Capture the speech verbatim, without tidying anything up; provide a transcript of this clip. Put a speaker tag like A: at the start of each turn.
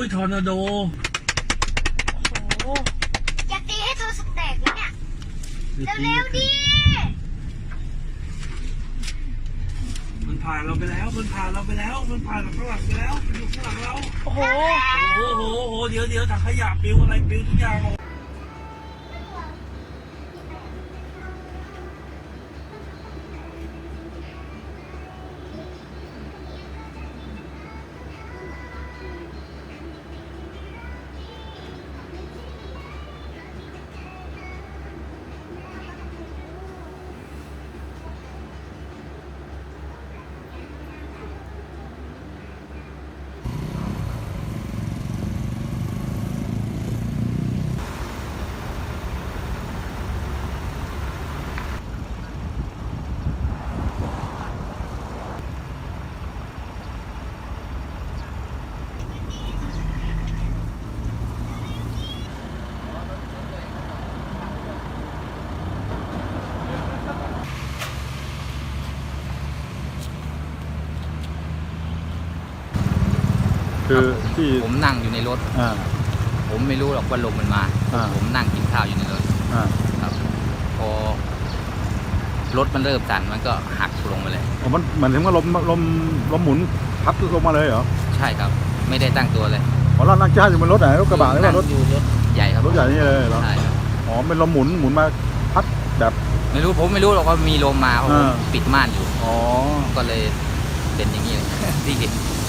A: ยทอร์นาโด
B: โอ้โหอยากตีให้โทรศัพท์แตกแล้วเนี่ยเร็วๆดิ
A: มันผ่านเราไปแล้วมันผ่านเราไปแล้วมันผ่านเราข้างหลังไปแล้วมันอยู่ข้างหลังเรา
B: โอ้โห
A: โอ้โหโอ้โหเดี๋ยวเดี๋ยวถังขยะปลิวอะไรปลิวทุกอย่าง
C: คือที่
D: ผมนั่งอยู่ในรถผมไม่รู้หรอกว่าลมมันมาผมนั่งกินข้าวอยู่ในรถครับพอรถมันเริ่มสั่นมันก็หักลงมาเลย
C: มันเหมือนถึงว่าลมลมลมหมุนพัดลงมาเลยเหรอ
D: ใช่ครับไม่ได้ตั้งตัวเลย
C: อ๋อเรานั่งจ้าอยู่บนรถไหนรถกระบะหรือว่ารถ
D: รถใหญ่ครับ
C: รถใหญ่นี่เลยเหรอ
D: ใช่ครับ
C: อ๋อเป็นลมหมุนหมุนมาพัดแบบ
D: ไม่รู้ผมไม่รู้หรอกว่ามีลมมาเพราะผมปิดม่านอยู่
C: อ๋อ
D: ก็เลยเป็นอย่างนี้เลยที่เห็น